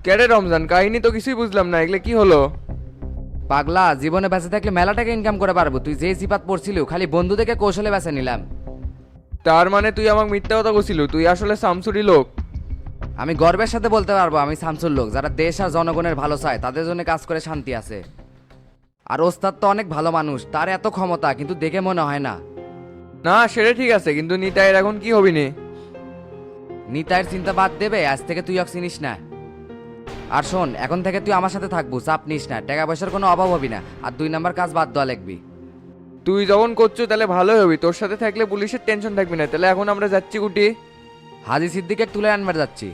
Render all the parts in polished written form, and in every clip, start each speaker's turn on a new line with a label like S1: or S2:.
S1: কেরে রমজান, কাহিনী তো কিছুই বুঝলাম না, এগুলো কি হলো?
S2: পাগলা, জীবনে বেঁচে থাকলে মেলা টাকা ইনকাম করে পারবো। তুই যে সিপাত পড়ছিল খালি বন্ধু থেকে কৌশলে বেছে নিলাম।
S1: তার মানে তুই আমাকে মিথ্যা কথা বলছিল, তুই আসলে শামসুরি লোক?
S2: আমি গর্বের সাথে বলতে পারবো আমি শামসুর লোক, যারা দেশ আর জনগণের ভালো চায় তাদের জন্য কাজ করে শান্তি আছে। আর ওস্তাদ তো অনেক ভালো মানুষ, তার এত ক্ষমতা কিন্তু দেখে মনে হয় না।
S1: না সেটা ঠিক আছে, কিন্তু নিতাইয়ের এখন কি হবি নি?
S2: নিতাইয়ের চিন্তা বাদ দেবে, আজ থেকে তুই ওকে চিনিস না। আর শোন, এখন থেকে তুই আমার সাথে থাকবো, চাপ নিস না, টাকা পয়সার কোনো অভাব হবি না। আর 2 নাম্বার কাজ বাদ দেওয়া লাগবি।
S1: তুই যখন করছো তাহলে ভালোই হবি, তোর সাথে থাকলে পুলিশের টেনশন থাকবি না। তাহলে এখন আমরা যাচ্ছি কুটি?
S2: হাজি সিদ্দিকে তুলে আনবার যাচ্ছি।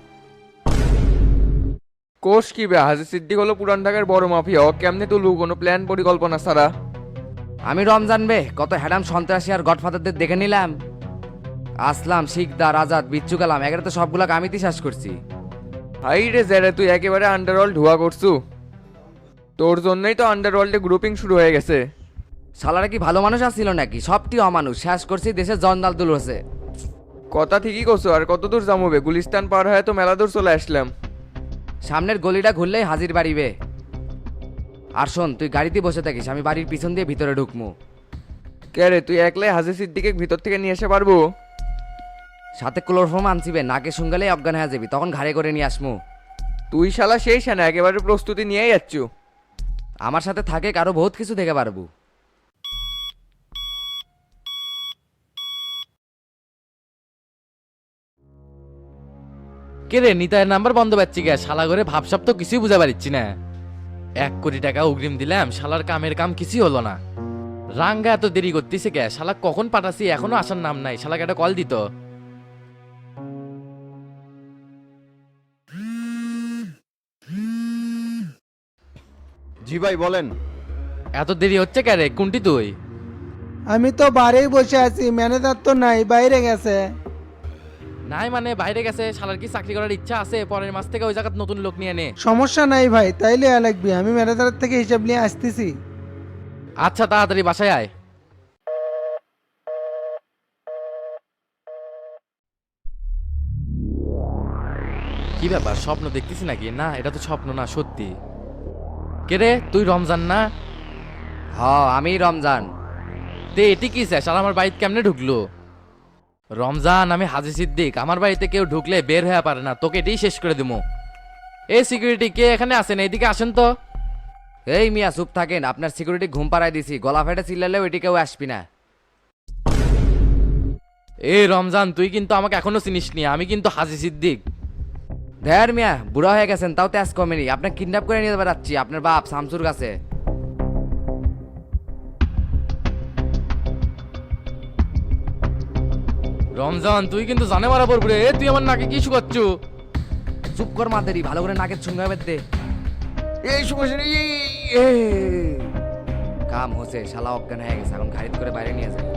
S1: কোষ কি বে, হাজি সিদ্দিক হলো পুরান ঢাকার বড় মাফিয়া, ও কেমনে তুলু কোনো প্ল্যান পরিকল্পনা ছাড়া?
S2: আমি রমজান বে, কত হ্যাডাম সন্ত্রাসী আর গডফাদারদের দেখে নিলাম। আসলাম, শিকদার, আজাদ, বিচ্ছু কালাম, এগারে তো সবগুলা আমি শেষ করছি।
S1: হাই রে জেরে, তুই একেবারে আন্ডারওয়ার্ল্ড ধোয়া করছু। তোর জন্যই তো আন্ডারওয়ার্ল্ডে গ্রুপিং শুরু হয়ে গেছে।
S2: শালারা কি ভালো মানুষ আসছিল নাকি? সবটি অমানুষ, শেষ করছি দেশের জঞ্জাল দুল হচ্ছে।
S1: কথা ঠিকই করছো, আর কত দূর যামবে? গুলিস্তান পার হয়ে তো মেলা দূর চলে আসলাম।
S2: সামনের গলিটা ঘুরলেই হাজির বাড়িবে। আর শোন, তুই গাড়িতে বসে থাকিস, আমি বাড়ির পিছন দিয়ে ভিতরে ঢুকমু।
S1: কে রে, তুই একলাই হাজি সিদ্দিকে ভিতর থেকে নিয়ে এসে পারবো?
S2: সাথে ক্লোরোফর্ম আনছিবে, নাকে শুঙ্গালেই অজ্ঞান হয়ে যাবি, তখন ঘাড়ে করে নিয়ে আসমু।
S1: তুই শালা সেই সেনা, একেবারে প্রস্তুতি নিয়েই যাচ্ছ।
S2: আমার সাথে থাকে কারো বহুত কিছু দেখে পারবো।
S3: কে রে, নিতাইয়ের নাম্বার বন্ধ পাচ্ছি গে, শালা করে ভাবসাব তো কিছুই বুঝা পারছি না। 1 কোটি টাকা অগ্রিম দিলাম, শালার কামের কাম কিছুই হলো না। রাঙ্গা এত দেরি করতেছে কে? শালা কখন পাঠাছি এখনো আসার নাম নাই। শালাকে একটা কল দিত।
S4: জি ভাই বলেন।
S3: এত দেরি হচ্ছে কে রে? কোনটি তুই?
S5: আমি তো বাড়িই বসে আছি, ম্যানেজার তো নাই, বাইরে গেছে।
S3: নাই মানে বাইরে গেছে? শালার কি চাকরি করার ইচ্ছা আছে? পরের মাস থেকে ওই জায়গায় নতুন লোক নিয়ে নে।
S5: সমস্যা নাই ভাই, তাইলে লাগবে, আমি ম্যানেজারের থেকে হিসাব নিয়ে আসতেছি।
S3: আচ্ছা তাড়াতাড়ি বাসায় আয়। কি ব্যাপার, স্বপ্ন দেখতেছি নাকি? না, এটা তো স্বপ্ন না, সত্যি। কে রে, তুই রমজান না?
S2: হ, আমি রমজান।
S3: তে এটি কি স্যার, শালা আমার বাড়িতে কেমনে ঢুকলো? রমজান, আমি হাজি সিদ্দিক। আমার বাড়িতে কেউ ঢুকলে বের হয়ে পারে না, তোকে এটাই শেষ করে দিবো। এই সিকিউরিটি, কে এখানে আছেন? এইদিকে আসেন তো।
S2: এই মিয়া চুপ থাকেন, আপনার সিকিউরিটি ঘুম পাড়ায় দিছি, গলা ফেটে চিল্লালেও এটি কেউ আসবি না।
S3: এই রমজান, তুই কিন্তু আমাকে এখনো চিনিস নি, আমি কিন্তু হাজি সিদ্দিক।
S2: ধের মিয়া, বুড়া হয়ে গেছেন, তাও তেজ কমেনি। আপনার কিডন্যাপ করে নিয়ে বেড়াচ্ছি আপনার বাপ শামসুর কাছে।
S3: রমজান, তুই কিন্তু জানে মারা পড়বি রে। তুই আমার নাকে কি শুকাচ্ছু?
S2: চুপ কর মাদেরি, ভালো করে নাকের সঙ্গে হবে দে।
S1: এই সমস্যা নেই।
S2: কাম হচ্ছে, শালা অজ্ঞান হয়ে গেছে, এখন গাড়িতে করে বাইরে নিয়ে যায়।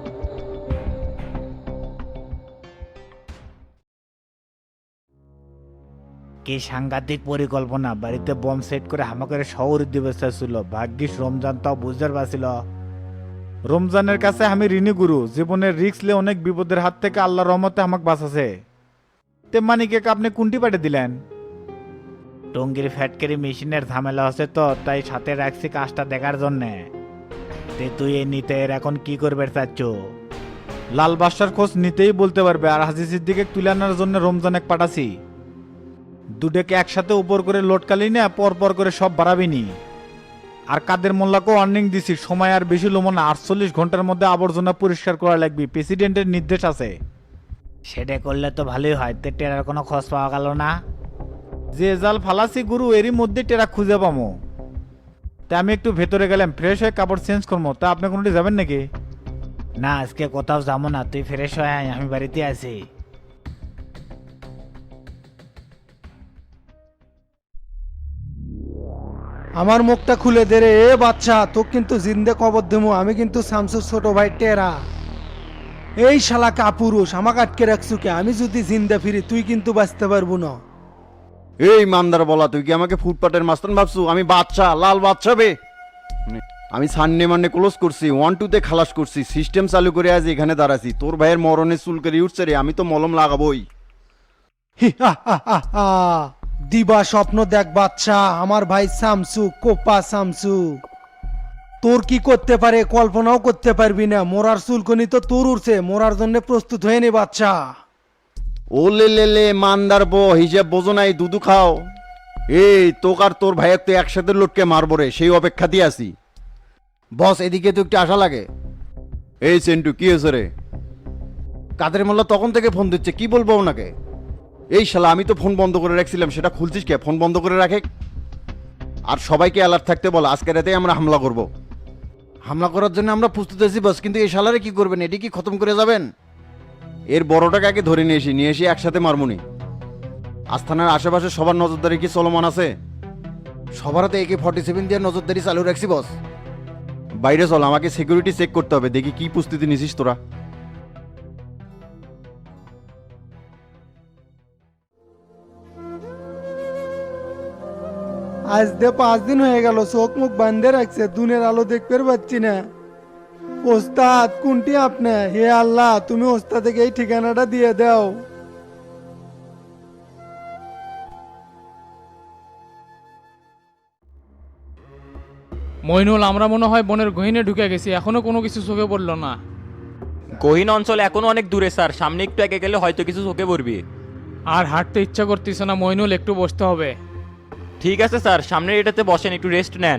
S6: কি সাংঘাতিক পরিকল্পনা! বাড়িতে বম সেট করে হামাকের শহর দিবসা ছিল। ভাগ্যিস রমজান তাও বুঝতে পারছিল। রমজানের কাছে আমি ঋণী গুরু, জীবনের রিস্ক লে অনেক বিপদের হাত থেকে আল্লাহর রহমতে আমাকে বাঁচাছে। তে মানিকে আপনি কোনটি পাঠিয়ে দিলেন? টঙ্গির ফ্যাটকারি মেশিনের ঝামেলা হচ্ছে তো, তাই সাথে রাখছি কাজটা দেখার জন্যে। তে তুই এই নিতে এখন কি করবে চাচ্ছ? লাল বাদশার খোঁজ নিতেই বলতে পারবে। আর হাজি সিদ্দিকে তুলে আনার জন্য রমজান এক পাঠাছি। দুটোকে একসাথে উপর করে লোটকালি না, পর পর করে সব বাড়াবিনি। আর কাদের মোল্লাকেও ওয়ার্নিং দিছি, সময় আর বেশি লোমো না, 48 ঘন্টার মধ্যে আবর্জনা পরিষ্কার করা লাগবে, প্রেসিডেন্টের নির্দেশ আছে। সেটা করলে তো ভালোই হয়। তে টেরার কোনো খোঁজ পাওয়া গেল না? যে জাল ফালাসি গুরু, এরই মধ্যে টেরা খুঁজে পামো। তা আমি একটু ভেতরে গেলাম, ফ্রেশ হয়ে কাপড় চেঞ্জ করবো। তা আপনি কোনোটি যাবেন নাকি? না, আজকে কোথাও যাবো না, তুই ফ্রেশ হয়ে আয়, আমি বাড়িতে আছি।
S5: আমার মুখটা খুলে দে রে এ বাচ্চা, তোকে কিন্তু জিন্দে কবর দেবো। আমি কিন্তু শামসুর ছোট ভাই টেরা। এই শালা কাপুরুষ, আমাকে আটকে রাখছু কে? আমি যদি জিন্দা ফিরি তুই কিন্তু বাঁচতে পারবো না।
S4: এই মান্দার বলা, তুই কি আমাকে ফুটপাতের মাস্তান ভাবছু? আমি বাচ্চা, লাল বাচ্চা বে। আমি সানডে মানডে ক্লোজ করছি, 1-2 খালাস করছি, সিস্টেম চালু করে আজ এখানে দাঁড়াছি। তোর ভাইয়ের মরণে চুল করে উঠছে রে, আমি তো মলম লাগাবোই।
S5: হি হা হা হা হা। দিবা স্বপ্ন দেখ বাচ্চা, আমার ভাই শামসু, কোপা শামসু। তোর কি করতে পারে কল্পনাও করতে পারবি না। মোরার চুলকনি তো তোর উড়ছে, মোরার জন্য প্রস্তুত হয়ে নে বাচ্চা।
S4: ও লে লে লে মান্দার বো, হিসেব বোঝো নাই, দুধু খাও। এই তোক আর তোর ভাইয়ের তো একসাথে লটকে মারবো রে, সেই অপেক্ষা দিয়ে আছি। বস এদিকে তো একটু আশা লাগে। এই সেন্টু কি হয়েছে রে? কাদের মোল্লা তখন থেকে ফোন দিচ্ছে, কি বলবো ওনাকে? এই শালা আমি তো ফোন বন্ধ করে রাখছিলাম, সেটা খুলছিস কে? ফোন বন্ধ করে রাখে। আর সবাইকে অ্যালার্ট থাকতে বল, আজকে রাতেই আমরা হামলা করব। হামলা করার জন্য আমরা প্রস্তুত আছি বস, কিন্তু এই শালারে কি করবেন? এটি কি খতম করে যাবেন? এর বড়টাকে আগে ধরে নিয়ে এসে একসাথে মারমুনি। আস্থানার আশেপাশে সবার নজরদারি কি চলমান আছে? সবার হাতে AK-47 দিয়ে নজরদারি চালু রাখছি বস। বাইরে চল, আমাকে সিকিউরিটি চেক করতে হবে, দেখি কি প্রস্তুতি নিছিস তোরা।
S5: আজ দে 5 দিন হয়ে গেল, চোখ মুখ বান্ধে রাখছে, দুনের আলো দেখতে পাচ্ছি না। ওস্তাদ কোনটি আপনি? হে আল্লাহ, তুমি ওস্তাদকে এই ঠিকানাটা দিয়ে দাও।
S7: মইনুল, আমরা মনে হয় বনের গহীনে ঢুকে গেছি, এখনো কোনো কিছু চোখে পড়লো না।
S8: গহীন অঞ্চল এখনো অনেক দূরে স্যার, সামনে একটু এগিয়ে গেলে হয়তো কিছু চোখে পড়বি।
S7: আর হাঁটতে ইচ্ছা করতেছে না মইনুল, একটু বসতে হবে।
S8: ঠিক আছে স্যার, সামনের এটাতে বসেন, একটু রেস্ট নেন।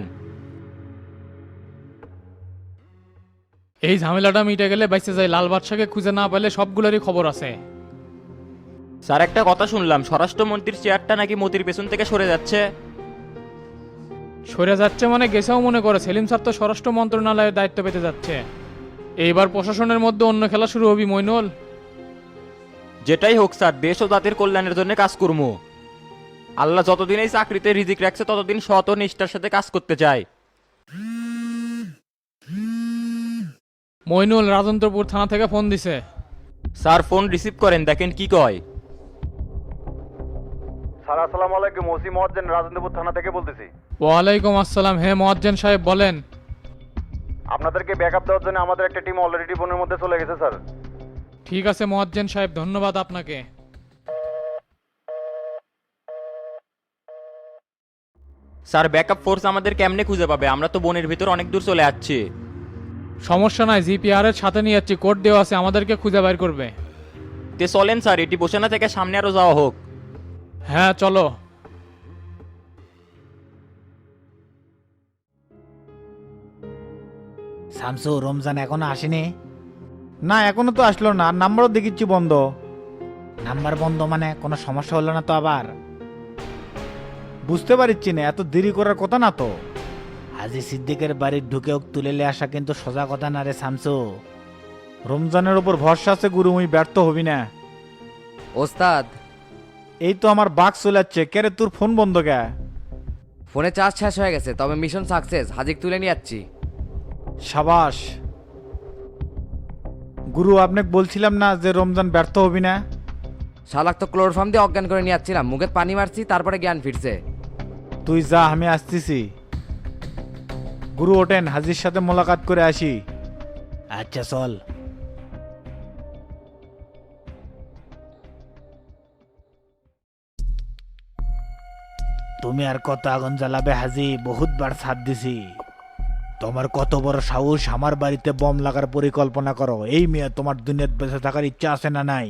S7: এই ঝামেলাটা মিটে গেলে বাইসে যায়, লাল বাদশাকে খুঁজে না পেলে সবগুলোরই খবর আছে।
S8: স্যার একটা কথা শুনলাম, স্বরাষ্ট্রমন্ত্রীর চেয়ারটা নাকি মতির পেছন থেকে সরে যাচ্ছে।
S7: সরে যাচ্ছে মানে গেছেও মনে করে, সেলিম স্যার তো স্বরাষ্ট্র মন্ত্রণালয়ের দায়িত্ব পেতে যাচ্ছে। এইবার প্রশাসনের মধ্যে অন্য খেলা শুরু হবি মইনুল।
S8: যেটাই হোক স্যার, দেশ ও জাতির কল্যাণের জন্য কাজ করবো। আল্লাহ যতদিন এই চাকরিতে রিজিক রাখছে ততদিন সৎ ও নিষ্ঠার সাথে কাজ করতে চাই।
S7: মইনুল, রাজেন্দ্রপুর থানা থেকে ফোন দিছে।
S8: স্যার ফোন রিসিভ করেন, দেখেন কি কয়।
S4: স্যার আসসালামু আলাইকুম, ওসি মহাজ্জেন রাজেন্দ্রপুর থানা থেকে বলতেছি।
S7: ওয়ালাইকুম আসসালাম। হ্যাঁ মোয়াজ্জেন সাহেব বলেন।
S4: আপনাদেরকে ব্যাকআপ দেওয়ার জন্য আমাদের একটা টিম অলরেডি বনের মধ্যে চলে গেছে স্যার।
S7: ঠিক আছে মোয়াজ্জেন সাহেব, ধন্যবাদ আপনাকে।
S8: স্যার ব্যাকআপ ফোর্স আমাদের কেমনে খুঁজে পাবে? আমরা তো বনের ভিতর অনেক দূর চলে যাচ্ছি।
S7: সমস্যা নাই, জিপিআর এর সাথে নিয়ে যাচ্ছি, কোড দেওয়া আছে, আমাদেরকে খুঁজে বের করবে।
S8: তে চলেন স্যার, এটি বসে না থেকে সামনে আরো যাওয়া হোক।
S7: হ্যাঁ চলো।
S6: শামসু, রমজান এখনো আসেনি? না এখনো তো আসলো না, আর নাম্বারও দেখিচ্ছি বন্ধ। নাম্বার বন্ধ মানে কোনো সমস্যা হলো না তো আবার? বুঝতে পারছি না, এত দেরি করার কথা না তো। হাজি সিদ্দিকের বাড়ির ঢুকে ওক তুলে নিয়ে আসা কিন্তু সোজা কথা না রে শামসু। রমজানের ওপর ভরসা আছে গুরু, মুই ব্যর্থ হবি না।
S2: ওস্তাদ,
S6: এই তো আমার বাঘ চলে যাচ্ছে। কে রে, তোর ফোন বন্ধ কে?
S2: ফোনে চার্জ শেষ হয়ে গেছে, তবে মিশন সাকসেস, হাজিক তুলে নিয়ে যাচ্ছি।
S6: সাবাস গুরু, আপনাকে বলছিলাম না যে রমজান ব্যর্থ হবি না?
S2: শালাক তো ক্লোরোফর্ম দিয়ে অজ্ঞান করে নিয়ে যাচ্ছিলাম, মুখে পানি মারছি, তারপরে জ্ঞান ফিরছে।
S6: তুই যা, আমি আসতেছি। গুরু ওঠেন, হাজির সাথে মোলাকাত করে আসি। আচ্ছা চল। তুমি আর কত আগুন জ্বালাবে হাজি? বহুতবার ছাদ দিছি। তোমার কত বড় সাহস আমার বাড়িতে বম লাগার পরিকল্পনা করো? এই মেয়ে, তোমার দুনিয়াত বেঁচে থাকার ইচ্ছা আছে না নাই?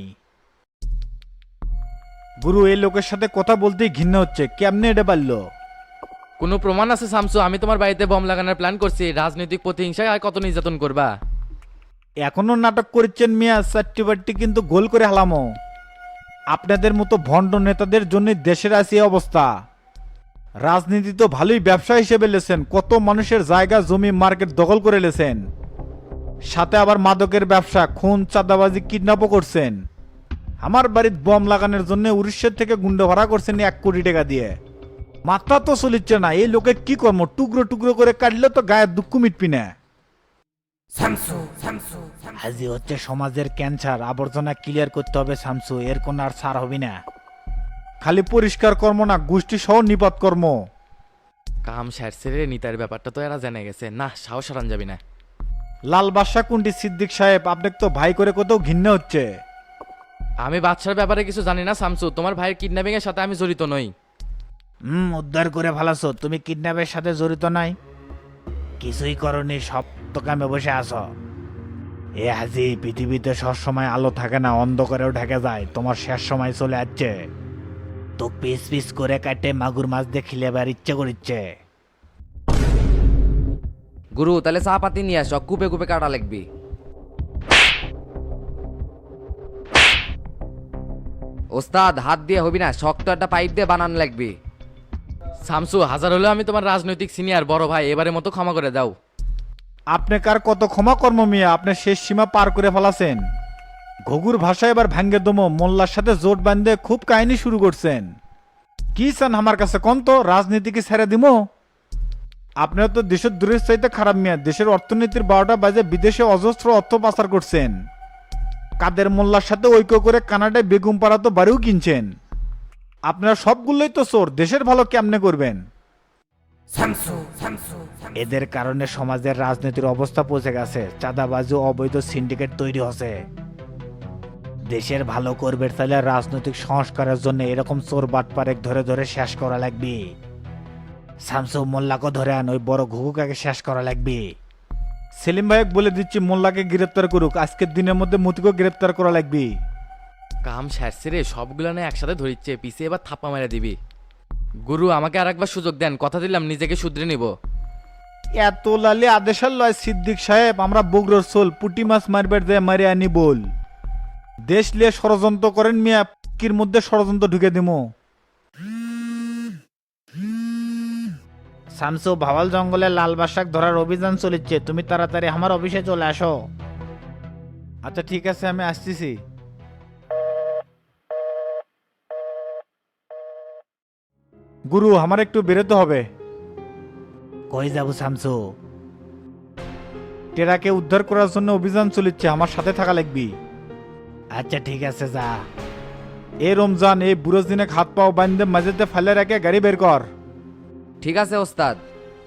S6: গুরু, এই লোকের সাথে কথা বলতেই ঘৃণা হচ্ছে, কেমনে এটা পারলো?
S3: কোনো প্রমাণ আছে শামসু? আমি তোমার বাড়িতে বম লাগানোর প্ল্যান করছি, রাজনৈতিক প্রতিহিংসায় আর কত নির্যাতন করবা?
S6: এখনো নাটক করছেন মিয়া, চারটি বাট্টি কিন্তু গোল করে হালামো। আপনাদের মতো ভণ্ড নেতাদের জন্য দেশের আছে এই অবস্থা। রাজনীতি তো ভালোই ব্যবসা হিসেবে লেছেন, কত মানুষের জায়গা জমি মার্কেট দখল করে লেছেন, সাথে আবার মাদকের ব্যবসা, খুন, চাঁদাবাজি, কিডন্যাপও করছেন। আমার বাড়িতে বম লাগানোর জন্য উড়িষ্যার থেকে গুন্ডা ভাড়া করছেন 1 কোটি টাকা দিয়ে। মাথা তো চলিচ্ছে না, এই লোকের কি কর্ম? টুকরো টুকরো করে কাটলে তো গায়ের দুঃখ মিটবি না। হাজি হচ্ছে সমাজের ক্যান্সার, আবর্জনা ক্লিয়ার করতে হবে শামসু, এর কোন আর ছাড় হবি না। খালি পরিষ্কার কর্ম না, গোষ্ঠী সহ নিপাত কর্ম।
S3: কাম সারছে রে, নিতার ব্যাপারটা তো এরা জেনে গেছে, না সাহস হারান যাবি না।
S6: লাল বাদশা কোনটি সিদ্দিক সাহেব? আপনাকে তো ভাই করে কোথাও ঘৃণা হচ্ছে।
S3: আমি বাদশার ব্যাপারে কিছু জানি না শামসু, তোমার ভাইয়ের কিডন্যাপিং এর সাথে আমি জড়িত নই।
S6: উদ্ধার করে ফেলাছো। তুমি কিডন্যাপের সাথে জড়িত নাই? কিছুই করনি, সব তো কামে বসে আছো। এ হাজি, পৃথিবীতে সবসময় আলো থাকে না, অন্ধকারেও ঢেকে যায়। তোমার শেষ সময় চলে আসছে। তো পিস পিস করে কাটে মাগুর মাছ দিয়ে খিলেবার ইচ্ছে করিচ্ছে।
S2: গুরু তাহলে চা পাতি নিয়ে আসো, কুপে কুপে কাটা লাগবি। ওস্তাদ হাত দিয়ে হবি না, শক্ত একটা পাইপ দিয়ে বানানো লাগবি।
S3: শামসু, হাজার হলেও আমি তোমার রাজনৈতিক সিনিয়র বড় ভাই, এবারের মতো ক্ষমা করে দাও।
S6: আপনি কার কত ক্ষমা কর্ম মিয়া, আপনি শেষ সীমা পার করে ফেলাছেন। ঘুঘুর ভাষা এবার ভাঙ্গে দমো, মোল্লার সাথে জোট বাঁধে খুব কাহিনী শুরু করছেন। কি চান আমার কাছে কোন তো? রাজনীতি কি ছেড়ে দিমো? আপনারা তো দেশের দূরের চাইতে খারাপ মিয়া। দেশের অর্থনীতির 12টা বাজে বিদেশে অজস্র অর্থ পাচার করছেন। কাদের মোল্লার সাথে ঐক্য করে কানাডায় বেগুম পাড়া তো বাড়িও কিনছেন। আপনারা সবগুলোই তো চোর, দেশের ভালো কেমনে করবেন? এদের কারণে সমাজের রাজনীতির অবস্থা পৌঁছে গেছে। চাঁদাবাজি ও অবৈধ সিন্ডিকেট তৈরি হচ্ছে। দেশের ভালো করবে তাহলে রাজনৈতিক সংস্কারের জন্য এরকম চোর বাটপারেক ধরে ধরে শেষ করা লাগবে। শামসু, মোল্লাকে ধরে আন, ওই বড় ঘুঘুকাকে শেষ করা লাগবে। সেলিম ভাইক বলে দিচ্ছি মোল্লাকে গ্রেপ্তার করুক, আজকের দিনের মধ্যে মতিকে গ্রেপ্তার করা লাগবে।
S3: কাম সারছে রে, সবগুলো না একসাথে ধরিচ্ছে, পিছে এবার থাপ্পা মেরে দিবি। গুরু আমাকে আর একবার সুযোগ দেন, কথা দিলাম নিজেকে শুধরে নিব।
S6: এত লালি আদেশাল লয় সিদ্দিক সাহেব, আমরা বগুড়ার সোল পুটি মাছ মারবার দেয় মারি আনি বল। দেশ লিয়ে ষড়যন্ত্র করেন মিয়া, কির মধ্যে ষড়যন্ত্র ঢুকে দিমো। শামসু, ভাওয়াল জঙ্গলে লাল বাসাক ধরার অভিযান চলেছে, তুমি তাড়াতাড়ি আমার অফিসে চলে আসো। আচ্ছা ঠিক আছে, আমি আসতেছি। গুরু, আমার একটু বেরোতে হবে। কই যাবো শামসু? টেরাকে উদ্ধার করার জন্য অভিযান চলেছে, আমার সাথে থাকা লাগবি। আচ্ছা ঠিক আছে, যা। এ রমজান, এই বুড়ো দিনে হাত পাও বান্ধে মাঝেতে ফেলে রেখে গাড়ি বের কর।
S2: ঠিক আছে ওস্তাদ।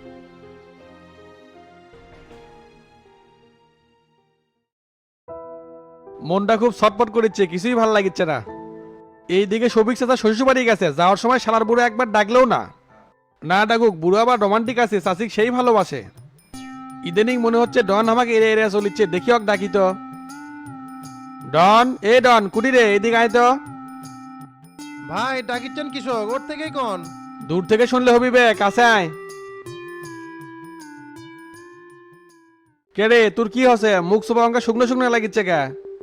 S9: মনটা খুব ছটপট করেছে, কিছুই ভালো লাগছে না। এইদিকে সবিক চাচা শ্বশুর বাড়ি গেছে, যাওয়ার সময় শালার বুড়ো একবার ডাকলেও না। না ডাকুক, বুড়ো আবার রোমান্টিক আছে, চাচিক সেই ভালোবাসে। ইদানিং মনে হচ্ছে ডন আমাকে এড়ে এড়ে চলিচ্ছে, দেখি হোক ডাকি তো। ডন, এ ডন, কুটি রে, এদিকে আয় তো।
S10: ভাই ডাকিচ্ছেন কৃষক, ওর থেকেই কোন?
S9: দূর থেকে শুনলে হবি বে, কাছে আয়। কে রে, তোর কি হচ্ছে? মুখ সোপা অঙ্কা শুকনো শুকনো লাগিচ্ছে কে?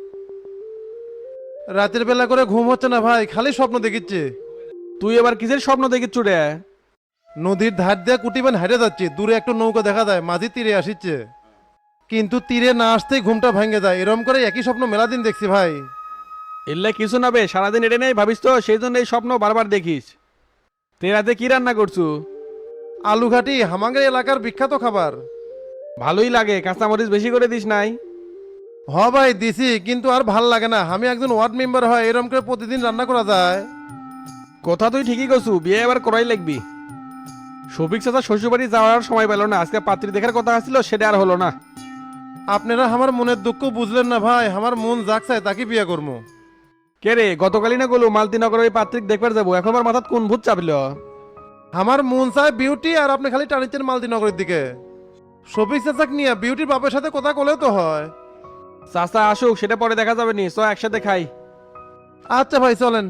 S10: রাতের বেলা করে ঘুম হচ্ছে না ভাই, খালি স্বপ্ন দেখিচ্ছে।
S9: তুই এবার কিসের স্বপ্ন দেখিচ্ছু রে?
S10: নদীর ধার দিয়ে কুটিবান হারিয়ে যাচ্ছে, দূরে একটা নৌকা দেখা যায়, মাঝি তীরে আসিচ্ছে। কিন্তু তীরে না আসতেই ঘুমটা ভেঙে যায়। এরম করে একই স্বপ্ন মেলা দিন দেখছি ভাই।
S9: এলে কিছু না বে, সারাদিন এটা নেই ভাবিস তো, সেই জন্য এই স্বপ্ন বারবার দেখিস। তে রাতে কি রান্না করছু?
S10: আলু ঘাটি হামাঙ্গের এলাকার বিখ্যাত খাবার।
S9: ভালোই লাগে, কাঁচামরিচ বেশি করে দিস নাই?
S10: হ ভাই দিছি, কিন্তু আর ভাল লাগে না। আমি একজন ওয়ার্ড মেম্বার হয়, এরম করে প্রতিদিন রান্না করা যায়?
S9: কথা তুই ঠিকই করছু, বিয়ে এবার করাই লাগবি। শফিক চাচা শ্বশুরবাড়ি যাওয়ার সময় পেল না, আজকে পাত্রী দেখার কথা আসছিল, সেটা আর হলো না।
S10: আপনারা আমার মনের দুঃখ বুঝলেন না ভাই, আমার মন যাক চায় তাকে বিয়ে করবো।
S9: কে রে, গতকালই না গেলো মালতিনগর ওই পাত্রিক দেখবার যাবো, এখন আমার মাথাত কোন ভূত চাপিল?
S10: আমার মন চায় বিউটি, আর আপনি খালি টানিচ্ছেন মালতিনগরের দিকে। শফিক চাচাক নিয়ে বিউটির বাপের সাথে কথা কলেও তো হয়।
S9: চাচা আসুক, সেটা পরে দেখা যাবে নি, চ একসাথে খাই।
S10: আচ্ছা ভাই চলেন।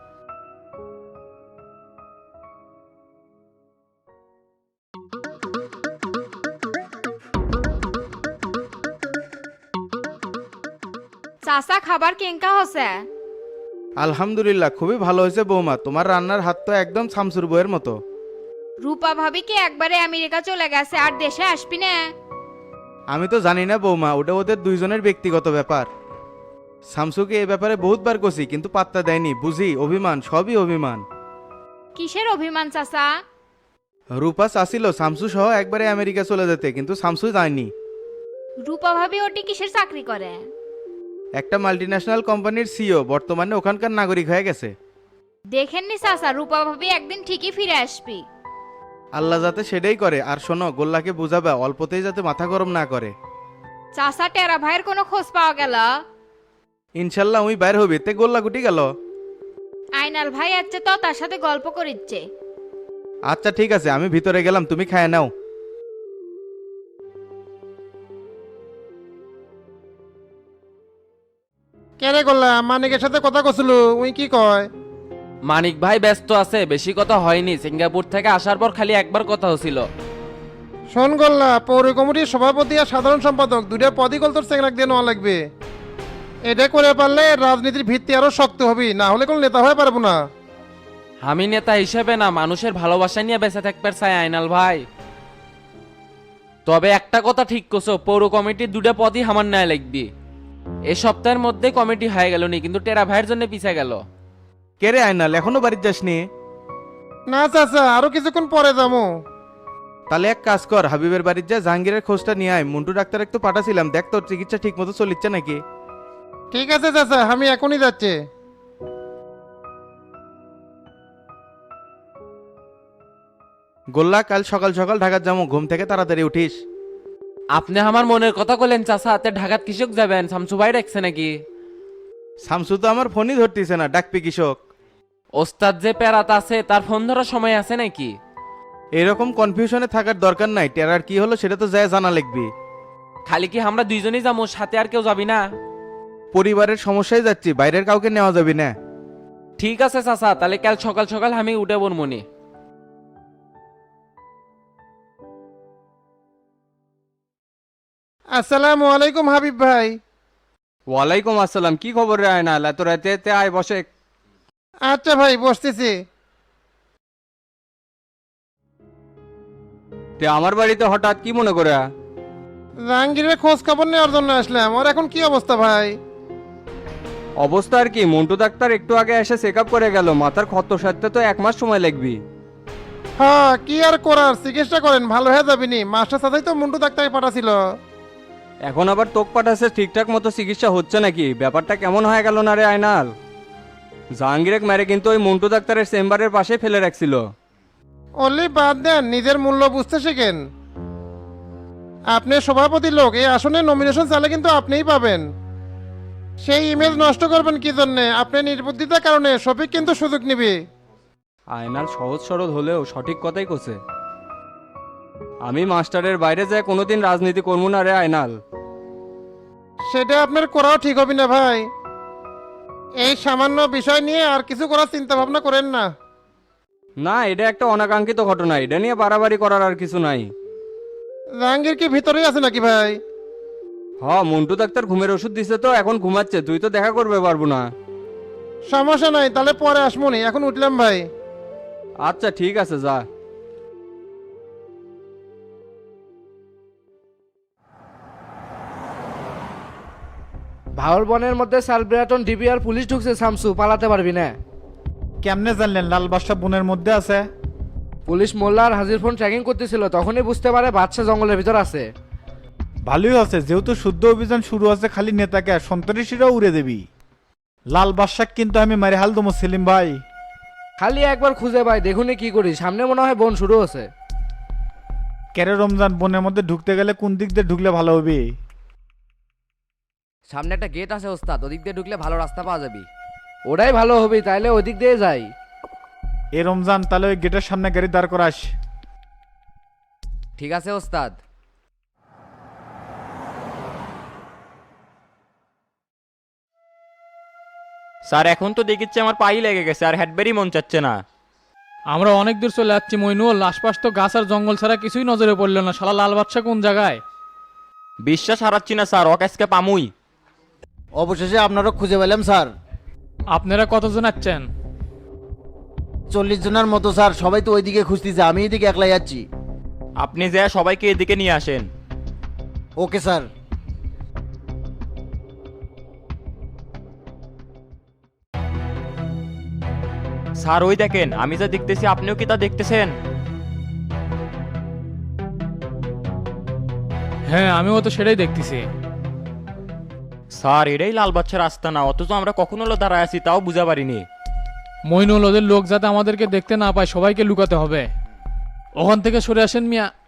S11: চাচা খাবার কেঙ্কা হচ্ছে?
S12: আলহামদুলিল্লাহ, খুবই ভালো হয়েছে বৌমা। তোমার রান্নার হাত তো একদম শামসুর বইয়ের মতো।
S11: রূপা ভাবি কি একবারে আমেরিকা চলে গেছে, আর দেশে আসবি না?
S12: আমি তো জানি না বৌমা, ওটা ওদের দুইজনের ব্যক্তিগত ব্যাপার। শামসুকে এ ব্যাপারে বহুতবার কষি, কিন্তু পাত্তা দেয়নি। বুঝি অভিমান, সবই অভিমান।
S11: কিসের অভিমান চাচা?
S12: রূপা চাচ্ছিল শামসু সহ একবারে আমেরিকা চলে যেতে, কিন্তু শামসু যায়নি।
S11: রূপা ভাবি ওটি কিসের চাকরি করে?
S12: একটা মাল্টিন্যাশনাল কোম্পানির সিও, বর্তমানে ওখানকার নাগরিক হয়ে গেছে।
S11: দেখেননি চাচা, রূপা ভাবি একদিন ঠিকই ফিরে আসবি।
S12: আল্লাহ যাতে সেটাই করে। আর শোনো, গোল্লাকে বুঝাবে অল্পতেই যাতে মাথা গরম না করে।
S11: চাচা, টেরা ভাইয়ের কোনো খোঁজ পাওয়া গেল?
S12: ইনশাল্লাহ উই বাইর হবি। তে গোল্লা গুটি গেল?
S11: আইনাল ভাই আছে তো, তার সাথে গল্প করিচ্ছে।
S12: আচ্ছা ঠিক আছে, আমি ভিতরে গেলাম, তুমি খায় নাও।
S10: কেরে করলাম মানিকের সাথে কথা কছিল, উই কি কয়?
S3: মানিক ভাই ব্যস্ত আছে, বেশি কথা হয়নি। সিঙ্গাপুর থেকে আসার পর খালি একবার কথা হছিল।
S10: শোন গোল্লা, পৌর কমিটির সভাপতি আর সাধারণ সম্পাদক দুইটা পদই কল তোর চেংরাক দিয়ে নেওয়া লাগবে। এটা করে পারলে রাজনীতির ভিত্তি আরো শক্ত হবে, না হলে কোনো নেতা হয়ে পারবো না।
S3: আমি নেতা হিসেবে না, মানুষের ভালোবাসা নিয়ে বেঁচে থাকতে চাই আইনাল ভাই। তবে একটা কথা ঠিক করছো, পৌর কমিটির দুটা পদই আমার ন্যায় লাগবে। এই সপ্তাহের মধ্যে কমিটি হয়ে গেল নি, কিন্তু টেরা ভাইয়ের জন্য পিছিয়ে গেল।
S12: কে রে আইনাল, এখনো বাড়িতে যাসনি?
S10: না চাচা, আরো কিছুক্ষণ পরে যাবো।
S12: তাহলে এক কাজ কর, হাবিবের বাড়ির যা জাহাঙ্গীরের খোঁজটা নিয়ে আয়। মন্টু ডাক্তার একটু পাঠাছিলাম, দেখ তোর চিকিৎসা ঠিক মতো চলিচ্ছে নাকি।
S10: ঠিক আছে চাচা, আমি এখনই যাচ্ছি।
S12: গোল্লা, কাল সকাল সকাল ঢাকার যাবো, ঘুম থেকে তাড়াতাড়ি উঠিস।
S3: আপনি আমার মনের কথা বলেন চাচা, তে ঢাকাত কৃষক যাবেন? শামসু ভাই রাখছে নাকি?
S12: শামসু তো আমার ফোনই ধরতেছে না, ডাকবি কৃষক।
S3: ওস্তাদ যে প্যারাত আছে, তার ফোন ধরার সময় আছে নাকি?
S12: এরকম কনফিউশনে থাকার দরকার নাই, টেরার কি হলো সেটা তো যায় জানা লিখবি।
S3: খালি কি আমরা দুইজনই যাবো, সাথে আর কেউ যাবি না?
S12: পরিবারের সমস্যায় যাচ্ছি, বাইরের কাউকে নেওয়া যাবে না।
S3: ঠিক আছে চাচা, তাহলে কাল সকাল সকাল আমি উঠে বলমনি।
S10: আসসালামু আলাইকুম হাবিব ভাই।
S1: ওয়ালাইকুম আসসালাম। কি খবর রে আয়নাল, এত রাতে আয় বসে।
S10: আচ্ছা ভাই, বসতেছি।
S1: তে আমার বাড়িতে হঠাৎ কি মনে করে?
S10: জাহাঙ্গীরের খোঁজ খবর নেওয়ার জন্য আসলাম। ওর এখন কি অবস্থা ভাই?
S1: অবস্থা আর কি, মন্টু ডাক্তার একটু আগে এসে চেক আপ করে গেল। মাথার ক্ষত সারতে তো 1 মাস সময় লাগবে।
S10: হ্যাঁ, কি আর করার, চিকিৎসা করেন, ভালো হয়ে যাবিনি। মাস্টার সাথেই তো মুন্টু ডাক্তার পাঠাছিল।
S1: এখন আবার তোক পাঠাচ্ছে, ঠিকঠাক মতো চিকিৎসা হচ্ছে নাকি? ব্যাপারটা কেমন হয়ে গেল না রে আয়নাল? জাহাঙ্গীরের মেরে কিন্তু ওই মন্টু ডাক্তারের চেম্বারের পাশে ফেলে রাখছিল।
S10: অনলি বাদ দেন, নিজের মূল্য বুঝতে শেখেন। আপনি সভাপতি লোক, এই আসনে নমিনেশন চালে কিন্তু আপনিই পাবেন। সেই ইমেজ নষ্ট করবেন কি জন্যে? আপনি নির্বুদ্ধিতার কারণে শফিক কিন্তু সুযোগ নিবে।
S1: আয়নাল সহজ সরল হলেও সঠিক কথাই কছে। আমি মাস্টারের বাইরে যায় কোনোদিন রাজনীতি করবো না রে আয়নাল।
S10: সেটা আপনার করাও ঠিক হবে না ভাই। এই সামান্য বিষয় নিয়ে আর কিছু করার চিন্তা ভাবনা করেন না।
S1: না, এটা একটা অনাকাঙ্ক্ষিত ঘটনা, এটা নিয়ে বাড়াবাড়ি করার আর কিছু নাই।
S10: জাহাঙ্গীর কি ভিতরেই আছে নাকি ভাই?
S1: মন্টু ডাক্তার ঘুমের ওষুধ দিছে তো এখন ঘুমাচ্ছে, তুই তো দেখা করবে পারবো না।
S10: সমস্যা নাই, তাহলে পরে আসমনি, এখন উঠলাম ভাই।
S1: আচ্ছা ঠিক আছে, যা।
S2: ভাওর বনের মধ্যে সালব্রাটন ডিবি আর পুলিশ ঢুকছে। শামসু, পালাতে পারবি না।
S6: কেমনে জানলেন লাল বাদশা বনের মধ্যে আছে?
S2: পুলিশ মোল্লা আর হাজির ফোন ট্র্যাকিং করতেছিল, তখনই বুঝতে পারে বাদশা জঙ্গলের ভিতর আছে।
S6: ভালোই আছে, যেহেতু শুদ্ধ অভিযান শুরু আছে, খালি নেতাকে আর সন্ত্রাসীরাও উড়ে দেবি। লাল বাদশাক কিন্তু আমি মারি হাল দমো সেলিম ভাই।
S2: খালি একবার খুঁজে পাই, দেখুনি কি করি। সামনে মনে হয় বন শুরু হচ্ছে।
S6: কেরে রমজান, বনের মধ্যে ঢুকতে গেলে কোন দিক দিয়ে ঢুকলে ভালো হবে?
S2: সামনে একটা গেট আছে ওস্তাদ, ওদিক দিয়ে ঢুকলে ভালো রাস্তা পাওয়া যাবে। ওটাই ভালো হবে, তাইলে ওদিক দিয়ে যাই।
S6: এ রমজান, তাহলে ওই গেটের সামনে গাড়ি দাঁড় করাস।
S2: ঠিক আছে ওস্তাদ।
S8: স্যার এখন তো দেখিচ্ছে আমার পাই লেগে গেছে, আর হ্যাডবেরি মন চাচ্ছে না।
S7: আমরা অনেক দূর চলে যাচ্ছি মইনুল, আশপাশ তো গাছ আর জঙ্গল ছাড়া কিছুই নজরে পড়লো না। শালা লাল বাদশা কোন জায়গায়?
S8: বিশ্বাস হারাচ্ছি না স্যার, অকাশকে পামুই।
S4: অবশেষে আপনারও খুঁজে পেলাম স্যার।
S7: আপনারা কতজন আছেন?
S4: 40 জনের মতো স্যার, সবাই তো ওইদিকে খুঁজতেছে, আমি এদিকে একলাই যাচ্ছি।
S8: আপনি যা সবাইকে এদিকে নিয়ে আসেন।
S4: Okay sir.
S8: স্যার ওই দেখেন, আমি যা দেখতেছি আপনিও কি তা দেখতেছেন?
S7: হ্যাঁ, আমিও তো সেটাই দেখতেছি।
S8: স্যার এটাই লাল বাচ্চার রাস্তা না, অথচ আমরা কখন হলো দাঁড়ায় আছি তাও বুঝা পারিনি।
S7: মইনুল, ওদের লোক যাতে আমাদেরকে দেখতে না পায়, সবাইকে লুকাতে হবে। ওখান থেকে সরে আসেন মিয়া।